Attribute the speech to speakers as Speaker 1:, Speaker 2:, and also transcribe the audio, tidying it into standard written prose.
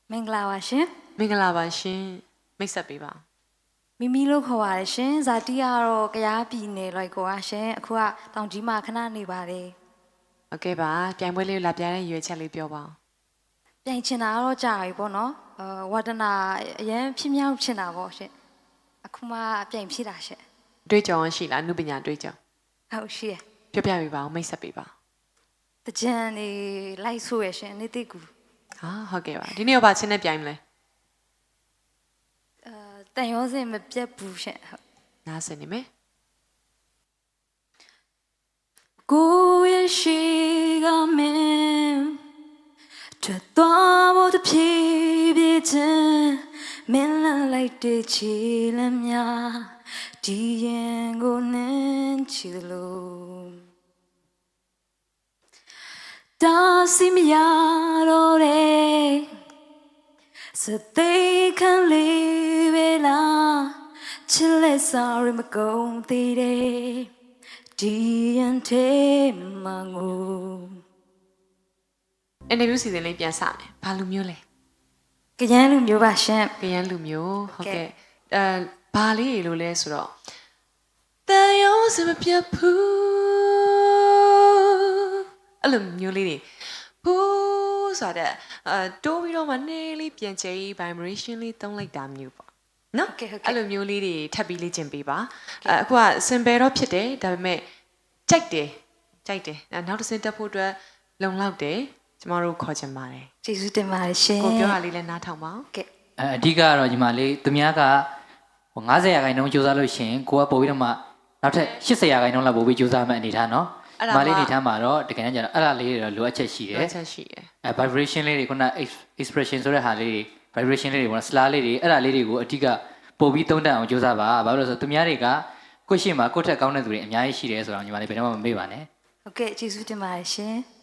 Speaker 1: မင်္ဂလာပါရှင်
Speaker 2: မင်္ဂလာပါရှင်မိတ်ဆက်ပေးပါ
Speaker 1: မိမိလို့ခေါ်ပါတယ်ရှင်ဇာတိကတော့ကရားပြည်နယ်လိုက်ကွာရှင်အခုကတောင်ကြီးမှာခဏနေပါတယ်
Speaker 2: โอเคပါပြိုင်ပွဲလေးလာပြတဲ့ရွေးချက်လေးပြောပါဦး
Speaker 1: ပြိုင်ချင်တာကတော့ကြာပြီပေါ့နော်ဝါဒနာအရင်ဖြစ်မြောက်ချင်တာပေါ့ရှင်အခုမှပြိုင်ဖြစ်တာရှင်
Speaker 2: တွေးကြောင်ရှိလားအနုပညာတွေးကြောင်
Speaker 1: ဟုတ်ရှိရ
Speaker 2: ပြောပြပေးပါဦးမိတ်ဆက်ပေးပါ
Speaker 1: တကြံနေလိုက်ဆိုရရှင်နေတိကူ
Speaker 2: ဟာဟုတ်ကဲ့ပါဒီနေ့ရောပါချင်းနဲ့ပြိုင်မလဲ
Speaker 1: တန်ရောစင်မပြတ်ဘူးရှင်ဟုတ်
Speaker 2: နားစင်နေမယ်
Speaker 1: ကိုရဲ့ရှိကမင်းထွက်သွားဖို့တဖြည်းဖြည်းချင်းမင်းလန့်လိုက်တဲ့ချီလမ်းများဒီရင်ကိုနင်းချီလို့တာစီမရတော့တဲ့စတဲ့ခံလေးပဲလားချစ်လက်စားရမကုန်သေးတဲ့ဒီရင်သေးမငူ
Speaker 2: အင်တာဗျူးစီစဉ်လေးပြန်စမယ်ဘာလူမျိုးလဲ
Speaker 1: ကရန်လူမျိုးပါရှင်
Speaker 2: ကရန်လူမျိုးဟုတ်ကဲ့ဘာလေးလို့လဲဆိုတော့တန်ရုံးစမပြတ်ဘူးအဲ့လိုမျိုးလေးတွေဘူးဆိုတော့တိုးပြီးတော့မှနေလေးပြန်ချေ vibration လေးတုံးလိုက်တာမျိုးပေါ့နော်အဲ့လိုမျိုးလေးတွေထပ်ပြီးလေ့ကျင့်ပေးပါအခုက simple တော့ဖြစ်တယ်ဒါပေမဲ့ကြိုက်တယ်နောက်တစ်ဆင့်တက်ဖို့အတွက်လုံလောက်တယ်ကျမတို့ခေါ်ချင်ပါတယ်
Speaker 1: ကျေးဇူးတင်ပါတယ်ရှင်
Speaker 2: ကိုပြောတာလေးလည်းနားထောင်ပါဦး
Speaker 1: ကဲ
Speaker 3: အဓိကတော့ညီမလေးသူများက90ရာခိုင်နှုန်းစူးစမ်းလို့ရှိရင်ကိုကပို့ပြီးတော့မှနောက်ထပ်80ရာခိုင်နှုန်းလောက်ပို့ပြီးစူးစမ်းမှအနေထားနော်ညီမလေးအနေထားမှာတော့တကယ်တမ်းကျတော့အဲ့ဒါလေးတွေတော့လိုအပ်ချက်ရှိတယ်
Speaker 2: ချက်ရှိတယ်
Speaker 3: vibration လေးတွေခုန expression ဆိုတဲ့ဟာလေးတွေ vibration လေးတွေပေါ့နော် slur လေးတွေအဲ့ဒါလေးတွေကိုအဓိကပို့ပြီးသုံးတတ်အောင်စူးစမ်းပါဘာလို့လဲဆိုတော့သူများတွေကကိုယ့်ရှေ့မှာကိုယ့်ထက်ကောင်းတဲ့သူတွေအများကြီးရှိတယ်ဆိုတော့ညီမလေးဘယ်တော့မှမမေ့ပါနဲ့
Speaker 1: ဟုတ်ကဲ့ကျေးဇူးတင်ပါတယ်ရှင်